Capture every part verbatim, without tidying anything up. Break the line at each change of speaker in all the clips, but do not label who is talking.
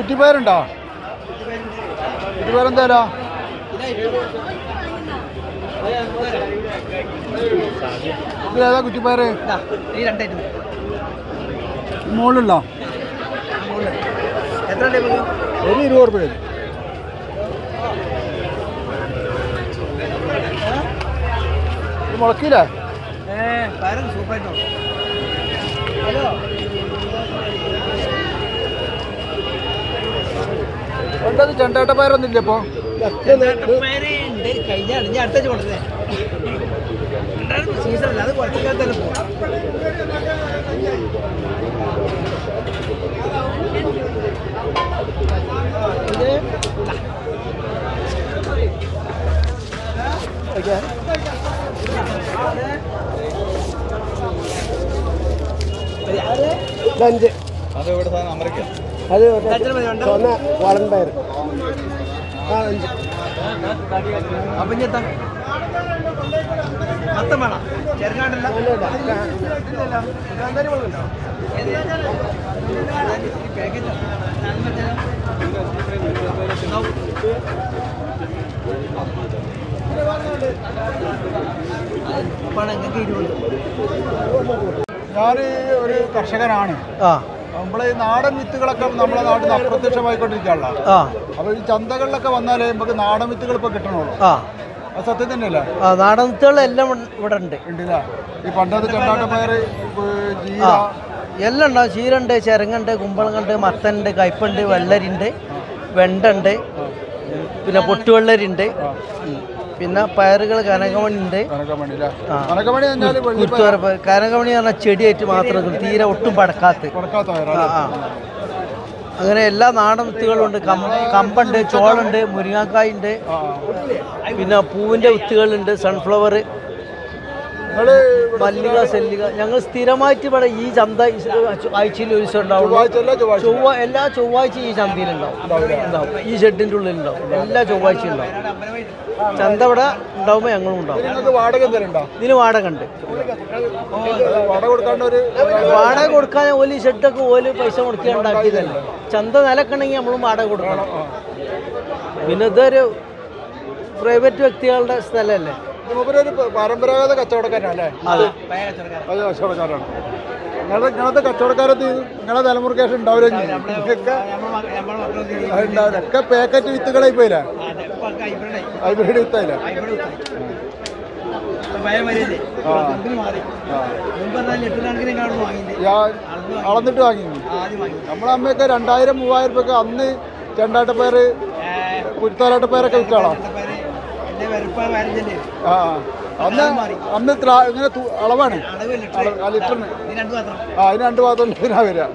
കുറ്റിപ്പയറുണ്ടോ? കുറ്റിപ്പയറെന്താ? ഇതിലേതാ കുറ്റിപ്പയറ്? മുകളിലുണ്ടോ? ഒരു ഇരുപത് റുപ്യ. മുളക്കില്ലേ? ഉണ്ടത് ചെണ്ടേട്ട പയറൊന്നുമില്ല ഇപ്പൊ. അഞ്ച് അത് ഇവിടെ അമരക്ക അത് വളൻ പയർ ആ അഞ്ച്. അപ്പം എത്താ മൊത്തം വേണം ചെറുകാണ്ടല്ല. ഞാൻ ഒരു കർഷകനാണ്. നമ്മളെ ഈ നാടൻ വിത്തുകളൊക്കെ നമ്മളെ നാട്ടിൽ നിന്ന് അപ്രത്യക്ഷമായിക്കൊണ്ടിരിക്കുകയുള്ള. അപ്പൊ ഈ ചന്തകളിലൊക്കെ വന്നാലേ നമുക്ക് നാടൻ വിത്തുകൾ ഇപ്പൊ കിട്ടണുള്ളൂ. അത് സത്യം തന്നെയല്ലേ?
നാടൻ വിത്തുകളെല്ലാം ഇവിടെ ഉണ്ട്.
ഉണ്ടല്ലേ? ഈ പണ്ടത്തെ ചെണ്ടാട്ടപ്പയർ, ജീര
എല്ലാം ഉണ്ടാവും. ചീരണ്ട്, ചെരങ്ങുണ്ട്, കുമ്പളങ്ങുണ്ട്, മത്തനുണ്ട്, കയ്പുണ്ട്, വെള്ളരിണ്ട്, വെണ്ടുണ്ട്, പിന്നെ പൊട്ടുവെള്ളരിണ്ട്, പിന്നെ പയറുകൾ കനകമണി ഉണ്ട്. കനകമണി പറഞ്ഞാൽ ചെടിയായിട്ട് മാത്രം തീരെ ഒട്ടും പടക്കാത്ത. അങ്ങനെ എല്ലാ നാടൻ വിത്തുകളും ഉണ്ട്. കമ്പുണ്ട്, ചോളുണ്ട്, മുരിങ്ങാക്കായുണ്ട്, പിന്നെ പൂവിൻ്റെ വിത്തുകളുണ്ട്, സൺഫ്ലവർ, മല്ലിക, സെല്ലിക. ഞങ്ങൾ സ്ഥിരമായിട്ട് ഇവിടെ ഈ ചന്ത ആഴ്ചയിൽ ഒരു ദിവസം ഉണ്ടാവുള്ളൂ. ചൊവ്വ എല്ലാ ചൊവ്വാഴ്ച ഈ ചന്തയിലുണ്ടാവും. ഉണ്ടാവും ഈ ഷെഡിൻ്റെ ഉള്ളിലുണ്ടാവും. എല്ലാ ചൊവ്വാഴ്ച ഉണ്ടാവും. ചന്ത ഇവിടെ ഉണ്ടാവുമ്പോൾ ഞങ്ങളും ഉണ്ടാവും. ഇതിന് വാടക ഉണ്ട്. വാടക കൊടുക്കാൻ ഓല് ഷെഡൊക്കെ ഓല് പൈസ മുടക്കി ഉണ്ടാക്കിയതല്ലേ. ചന്ത നിലക്കണമെങ്കിൽ നമ്മളും വാടക കൊടുക്കണം. പിന്നെ ഇതൊരു പ്രൈവറ്റ് വ്യക്തികളുടെ സ്ഥലമല്ലേ.
പരമ്പരാഗത കച്ചവടക്കാരല്ലേ? അതെ, കച്ചവടക്കാരാണ്. നിങ്ങളുടെ ഇങ്ങനത്തെ കച്ചവടക്കാരത്ത് നിങ്ങളെ തലമുറക്കേഷൻ ഉണ്ടാവില്ല. ഒക്കെ പാക്കറ്റ് വിത്തുകളായി പോയില്ല. ഹൈബ്രിഡ് വിത്തായില്ല. അളന്നിട്ട് വാങ്ങി. നമ്മളെ അമ്മയൊക്കെ രണ്ടായിരം മൂവായിരം രൂപ അന്ന് ചെണ്ടാട്ടപ്പയർ, കുരുത്താലാട്ടപ്പയറൊക്കെ വിറ്റാളാ. ആ അന്ന് അന്ന് ഇങ്ങനെ അളവാണ് ലിറ്ററിന്. ആ അതിന് രണ്ട് ഭാഗത്തുള്ള ഇതിനാ വരിക.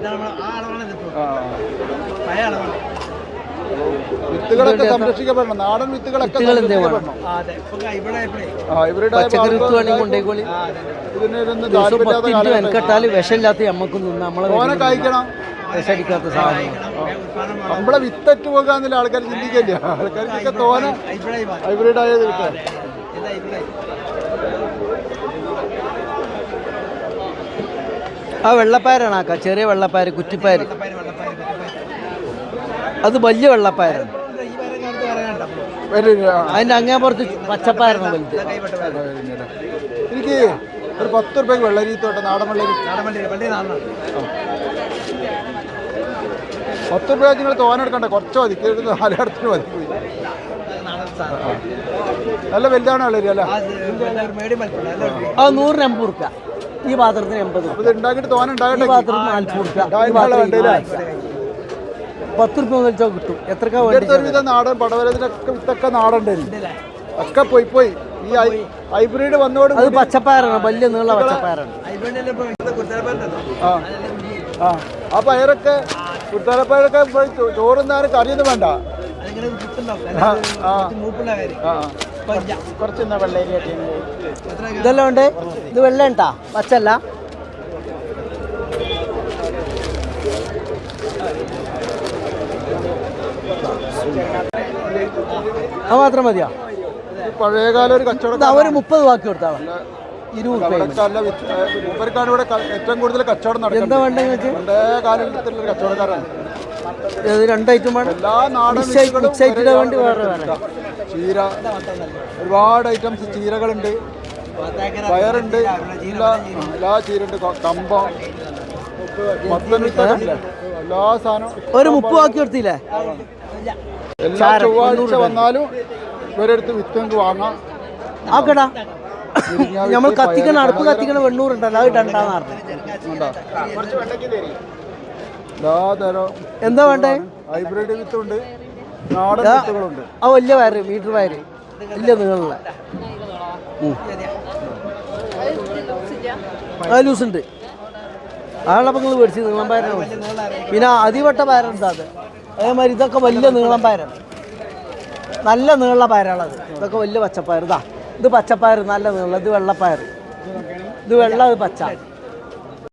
വിത്തുകളൊക്കെ സംരക്ഷിക്കപ്പെടണം. നാടൻ വിത്തുകളൊക്കെ സംരക്ഷിക്കപ്പെടണം.
വിഷമില്ലാത്ത നമ്മക്കും
ഓനെ കഴിക്കണം. നമ്മളെ വിത്തറ്റ് പോകാന്നില്ല ആൾക്കാർ ചിന്തിക്കില്ല. ആൾക്കാർക്കൊക്കെ തോന ഹൈബ്രിഡ് ആയത് കിട്ടാൻ.
ആ വെള്ളപ്പയറാണ് ആക്ക, ചെറിയ വെള്ളപ്പയർ, കുറ്റിപ്പയർ. അത് വലിയ വെള്ളപ്പയറാണ്. അതിന്റെ അങ്ങേ പുറത്ത് പച്ചപ്പയറാണ് വലുത്.
എനിക്ക് ഒരു പത്ത് റുപ്യക്ക് വെള്ളരി തോട്ടെ, നാടൻ വെള്ളരി. പത്ത് റുപ്യ നിങ്ങൾ തോനെടുക്കണ്ട, കുറച്ച് മതി. നാലിടത്തിന് മതി. നല്ല വലുതാണ് വെള്ളരി അല്ല?
അത് നൂറിന് എൺപത് റുപ്യ, ഈ പാത്രത്തിന് എൺപത്.
ഇത് ഉണ്ടാക്കിയിട്ട് തോനെ ഉണ്ടാകട്ടെ.
പാത്രത്തിന് നാൽപ്പത് റുപ്യ. പത്ത് റുപ്യ വെച്ചാൽ കിട്ടും. എത്രക്കാ
വിധം നാടൻ പടവലത്തിനൊക്കെ വിത്തൊക്കെ നാടൻ ഒക്കെ പോയി പോയി ഈ ഹൈബ്രിഡ് വന്നോട്.
അത് പച്ചപ്പയറാണ്, വലിയ നീള പച്ചപ്പയറാണ്.
ആ ആ പയറൊക്കെ കുട്ടാലപ്പയറൊക്കെ ചോറുന്നാലും കറിയൊന്നും വേണ്ട. കുറച്ച് വെള്ളരി
ഇതെല്ലാം ഉണ്ട്. ഇത് വെള്ള ഉണ്ടാ, പച്ചല്ല. അത് മാത്രം മതിയോ?
പഴയകാല ഒരു കച്ചവടം.
അവര് മുപ്പത് ബാക്കി കൊടുത്താളാ. ഇരുപത്
മൂപ്പർക്കാണ് ഇവിടെ ഏറ്റവും കൂടുതൽ കച്ചവടം നടക്കുന്നത്.
എന്താ വേണ്ടെങ്കിൽ
പഴയ കാലത്തിലുള്ള കച്ചവടക്കാരാണ്.
രണ്ട് ഐറ്റം വേണം.
എല്ലാ നാടൻ
മിക്സ് ആയിട്ട് വേണ്ടി വേറെ വേറെ
ചീര, ഒരുപാട് ഐറ്റംസ് ചീരകളുണ്ട്, പയറുണ്ട്, എല്ലാ എല്ലാ ചീരുണ്ട്, കമ്പ, മത്തനുണ്ട്, എല്ലാ സാധനവും
ഒരു മുപ്പ് ആക്കി എടുത്തില്ലേ?
എല്ലാ ചൊവ്വാഴ്ച വന്നാലും ഇവരെടുത്ത് വിത്ത് നിങ്ങൾക്ക് വാങ്ങാം.
ആക്കടാ നമ്മൾ കത്തിക്കണ അടുപ്പ് കത്തിക്കണ വെണ്ണൂറുണ്ടല്ലോ, അത് ഇടണ്ടാന്ന് പറഞ്ഞു. എന്താ വേണ്ടേ?
ഹൈബ്രിഡ് വിത്തുണ്ട്, നാടൻ വിത്തുകളുണ്ട്.
ആ വലിയ വയറ്, മീറ്റർ വയറ് ഇല്ല നിങ്ങളുള്ള ആ ലൂസ് ഉണ്ട്. ആളപ്പം നിങ്ങൾ മേടിച്ച് നീളം പയറാണ്. പിന്നെ അതിവട്ട പയറുണ്ട് അത്. അതേമാതിരി ഇതൊക്കെ വലിയ നീളം പയറാണ്, നല്ല നീള പയറാണത്. ഇതൊക്കെ വലിയ പച്ചപ്പയർ. ഇതാ ഇത് പച്ചപ്പയർ, നല്ല നീളം. ഇത് വെള്ളപ്പയർ, ഇത് വെള്ള, ഇത് പച്ച.